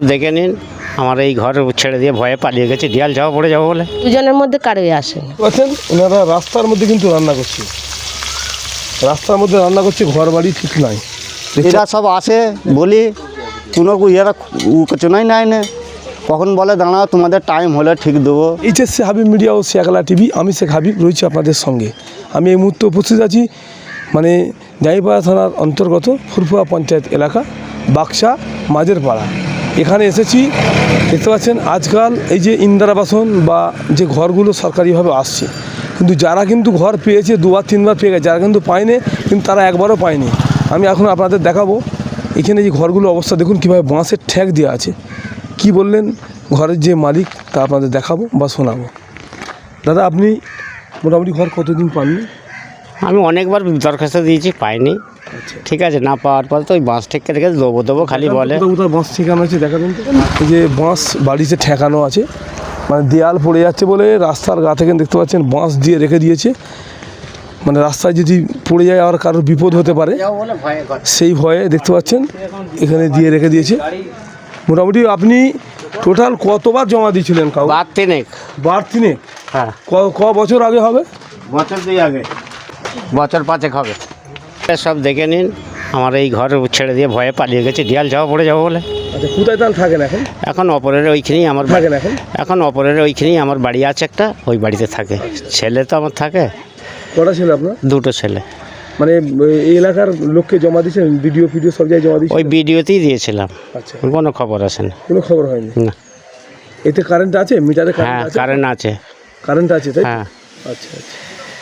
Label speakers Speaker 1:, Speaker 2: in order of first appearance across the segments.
Speaker 1: দেখে নিন, আমার এই ঘর ছেড়ে দিয়ে ভয়ে পালিয়ে গেছে, দেয়াল যাওয়া পড়ে যাবো বলে।
Speaker 2: দুজনের মধ্যে কারোই আসেন।
Speaker 3: বলছেন ওনারা রাস্তার মধ্যে কিন্তু রান্না করছে, রাস্তার মধ্যে রান্না করছে, ঘর বাড়ি ঠিক নাই।
Speaker 4: এরা সব আসে বলি কোনো এরা উচনাই নাই না, কখন বলে দাঁড়াও তোমাদের টাইম হলে ঠিক দেবো।
Speaker 3: এইচএসসি হাবিব মিডিয়া ও শেখালা টিভি, আমি শেখ হাবিব রয়েছি আপনাদের সঙ্গে। আমি এই মুহূর্তে উপস্থিত আছি মানে জাইপাড়া থানার অন্তর্গত ফুরফুরা পঞ্চায়েত এলাকা বাক্সা মাঝের পাড়া। এখানে এসেছি, দেখতে পাচ্ছেন আজকাল এই যে ইন্দিরা আবাসন বা যে ঘরগুলো সরকারিভাবে আসছে, কিন্তু যারা কিন্তু ঘর পেয়েছে দুবার তিনবার পেয়ে গেছে, যারা কিন্তু পায়নি কিন্তু তারা একবারও পায়নি। আমি এখন আপনাদের দেখাবো এখানে যে ঘরগুলো অবস্থা দেখুন কীভাবে বাঁশের ঠ্যাক দেওয়া আছে। কি বললেন ঘরের যে মালিক তা আপনাদের দেখাবো বা শোনাবো। দাদা আপনি মোটামুটি ঘর কতদিন পাননি?
Speaker 1: আমি অনেকবার দরখাস্ত দিয়েছি, পাইনি। ঠিক আছে, না পাওয়ার পর তো ওই বাঁশ ঠেকে রেখে দেবো খালি বলে।
Speaker 3: কোথাও বাঁশ ঠেকানো আছে দেখাবেন তো? এই যে বাঁশ বাড়িতে ঠেকানো আছে, মানে দেয়াল পড়ে যাচ্ছে বলে রাস্তার গা থেকে দেখতে পাচ্ছেন বাঁশ দিয়ে রেখে দিয়েছে, মানে রাস্তায় যদি পড়ে যায় আর কারোর বিপদ হতে পারে সেই ভয়ে দেখতে পাচ্ছেন এখানে দিয়ে রেখে দিয়েছে। মোটামুটি আপনি টোটাল কতবার জমা দিয়েছিলেন?
Speaker 1: বার তিনেক।
Speaker 3: বার তিনেক?
Speaker 1: হ্যাঁ।
Speaker 3: ক বছর আগে হবে?
Speaker 1: বছর 2 আগে, বছর 5 হবে। সব দেখে নিন, আমার এই ঘর ছেড়ে দিয়ে ভয়ে পালিয়ে গেছে, দেয়াল যাওয়া পড়ে যাবো বলে।
Speaker 3: আচ্ছা, কোথায় তাহলে থাকেন এখন?
Speaker 1: এখন অপরের ওইখানেই আমার
Speaker 3: থাকেন
Speaker 1: এখন অপরের ওইখানেই আমার বাড়ি আছে একটা, ওই বাড়িতে থাকে। ছেলে তো আমার থাকে।
Speaker 3: কটা ছেলে আপনার?
Speaker 1: 2টো ছেলে।
Speaker 3: মানে এই এলাকার লোককে জমা দিয়েছেন? ভিডিও সব জায়গায় জমা দিয়েছেন?
Speaker 1: ওই ভিডিওতেই দিয়েছিলাম।
Speaker 3: আচ্ছা,
Speaker 1: কোনো খবর আসেনি।
Speaker 3: কোনো খবর হয়নি?
Speaker 1: না।
Speaker 3: এতে কারেন্ট আছে? মিটারে
Speaker 1: হ্যাঁ, কারেন্ট আছে।
Speaker 3: কারেন্ট আছে তাই?
Speaker 1: হ্যাঁ।
Speaker 3: আচ্ছা আচ্ছা।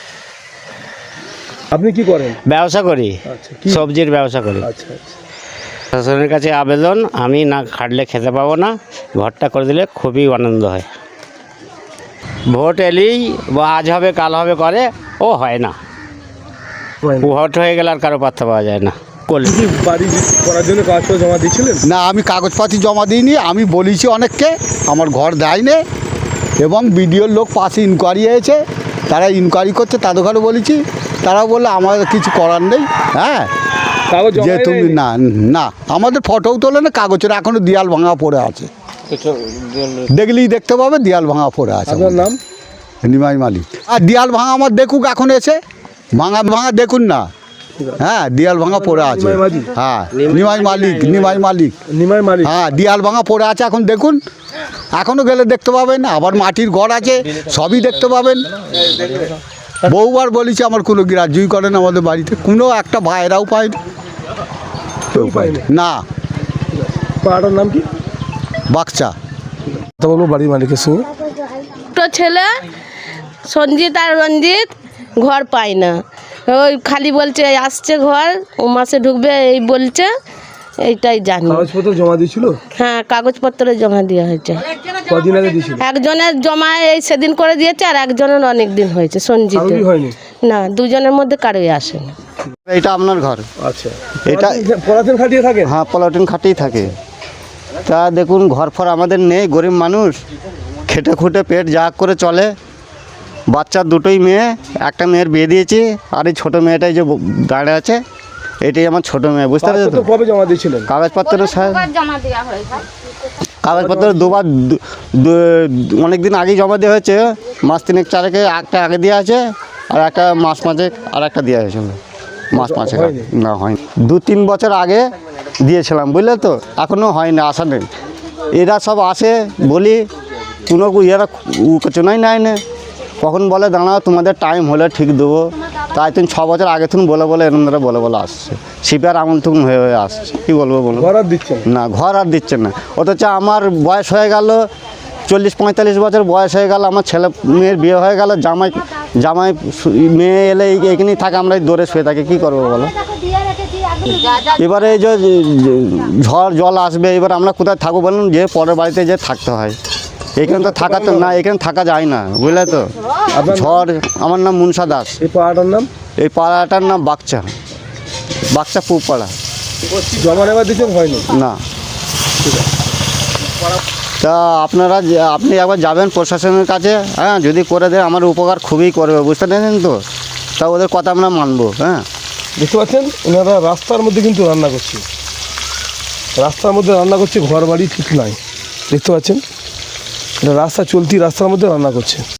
Speaker 3: আপনি কি করেন?
Speaker 1: ব্যবসা করি।
Speaker 3: আচ্ছা,
Speaker 1: সবজির ব্যবসা করি।
Speaker 3: আচ্ছা আচ্ছা।
Speaker 1: শাসনের কাছে আবেদন, আমি না খাটলে খেতে পাবো না, ঘরটা করে দিলে খুবই আনন্দ হয়। ভোট এলেই আজ হবে কাল হবে করে, ও হয় না। ভোট হয়ে গেলে আর কারো পাত্তা পাওয়া যায় না।
Speaker 3: বাড়ি করার জন্য কাগজপত্র জমা দিয়েছিলেন?
Speaker 4: না, আমি কাগজপাতি জমা দিইনি। আমি বলেছি অনেককে আমার ঘর দেয়নি, এবং বিডিওর লোক পাশে ইনকোয়ারি হয়েছে, তারা ইনকোয়ারি করছে, তাদের ঘরে বলেছি, তারা বললো আমাদের কিছু করার নেই। হ্যাঁ, যে তুমি না না আমাদের ফটোও তোলে না, কাগজের এখনও দেয়াল ভাঙা পড়ে আছে, দেখলেই দেখতে পাবে দেয়াল ভাঙা পড়ে আছে।
Speaker 3: আপনার নাম?
Speaker 4: নিমাই মালিক। আর দেয়াল ভাঙা আমার দেখুক, এখন এসে ভাঙা দেখুন না। হ্যাঁ, দেয়াল ভাঙা পড়ে আছে। হ্যাঁ, নিমাই মালিক। হ্যাঁ, দেয়াল ভাঙা পড়ে আছে, এখন দেখুন, এখনও গেলে দেখতে পাবেন। আবার মাটির ঘর আছে, সবই দেখতে পাবেন। বহুবার বলেছি, আমার কোনো গ্রাহ্যই করেন আমাদের বাড়িতে, কোনো একটা ভাইরাও পায়নি, কেউ পায়নি না।
Speaker 3: পাড়াটার নাম কি?
Speaker 4: বাক্সা।
Speaker 3: কথা বলবো বাড়ির মালিকের সঙ্গে।
Speaker 2: দুটো ছেলে সঞ্জিত আর রঞ্জিত ঘর পায় না, ওই খালি বলছে আসছে ঘর, ও মাসে ঢুকবে এই বলছে, এইটাই জানি।
Speaker 3: কাগজপত্র জমা দিয়েছিল?
Speaker 2: হ্যাঁ, কাগজপত্র জমা দেওয়া হয়েছে।
Speaker 3: কদিন আগে দিয়েছিল?
Speaker 2: একজনের জমা এই সেদিন করে দিয়েছে, আর একজনের অনেক দিন হয়েছে। সঞ্জিত
Speaker 3: হয়নি?
Speaker 2: না, দুজনের মধ্যে কারোই আসেনি।
Speaker 4: এটা আপনার ঘর?
Speaker 3: আচ্ছা।
Speaker 4: এটা
Speaker 3: পলাতেন খাটিয়ে থাকে?
Speaker 4: হ্যাঁ, পলাটিন খাটেই থাকে। তা দেখুন, ঘর ফর আমাদের নেই, গরিব মানুষ, খেটে খুঁটে পেট যা করে চলে। বাচ্চার 2টোই মেয়ে, একটা মেয়ের বিয়ে দিয়েছি, আর এই ছোটো মেয়েটাই যে দাঁড়িয়ে আছে, এটাই আমার ছোটো মেয়ে। বুঝতে পারছো তো?
Speaker 3: কবে জমা দিয়েছিলেন?
Speaker 4: কাগজপত্র কাগজপত্র দুবার, অনেক দিন আগেই জমা দেওয়া হয়েছে। মাস 3-4 একটা আগে দেওয়া আছে, আর একটা মাস 5 আর একটা দেওয়া হয়েছিল। মাস 5 না, হয়নি। 2-3 বছর আগে দিয়েছিলাম, বুঝলে তো, এখনও হয়নি, আসা নেই। এরা সব আসে বলি কোনো এরা উচনাই নাই না, কখন বলে দাঁড়াও তোমাদের টাইম হলে ঠিক দেবো। তাই 6 বছর আগে তুমি বলে এরমরা বলে আসছে, সিপিআর আমল তুমি হয়ে আসছে। কী বলবো বলো?
Speaker 3: ঘর আর দিচ্ছে
Speaker 4: না, ঘর আর দিচ্ছে না। অথচ আমার বয়স হয়ে গেল 40-45 বছর বয়স হয়ে গেল, আমার ছেলে মেয়ের বিয়ে হয়ে গেল, জামাই মেয়ে এলে এইখানেই থাকে, আমরা দৌড়ে শুয়ে থাকি, কী করবো বলো? এবারে এই যে ঝড় জল আসবে, এবার আমরা কোথায় থাকবো বলুন? যে পরের বাড়িতে যে থাকতে হয়, এখানে তো থাকা তো না, এখানে থাকা যায় না, বুঝলে তো। ঝড়। আমার নাম মুনসা দাস।
Speaker 3: এই পাড়াটার নাম? এই
Speaker 4: পাড়াটার নাম বাক্সা পূব পাড়া।
Speaker 3: জমা নেওয়া দিচ্ছেন? হয়নি
Speaker 4: না। তা আপনি একবার যাবেন প্রশাসনের কাছে, হ্যাঁ, যদি করে দেয় আমার উপকার খুবই করবে, বুঝতে পেরেছেন তো। তা ওদের কথা আমরা মানবো। হ্যাঁ,
Speaker 3: দেখতে পাচ্ছেন ওনারা রাস্তার মধ্যে কিন্তু রান্না করছে, রাস্তার মধ্যে রান্না করছে, ঘর বাড়ি ঠিক নাই, দেখতে পাচ্ছেন, এটা রাস্তা চলতি রাস্তার মধ্যে রান্না করছে।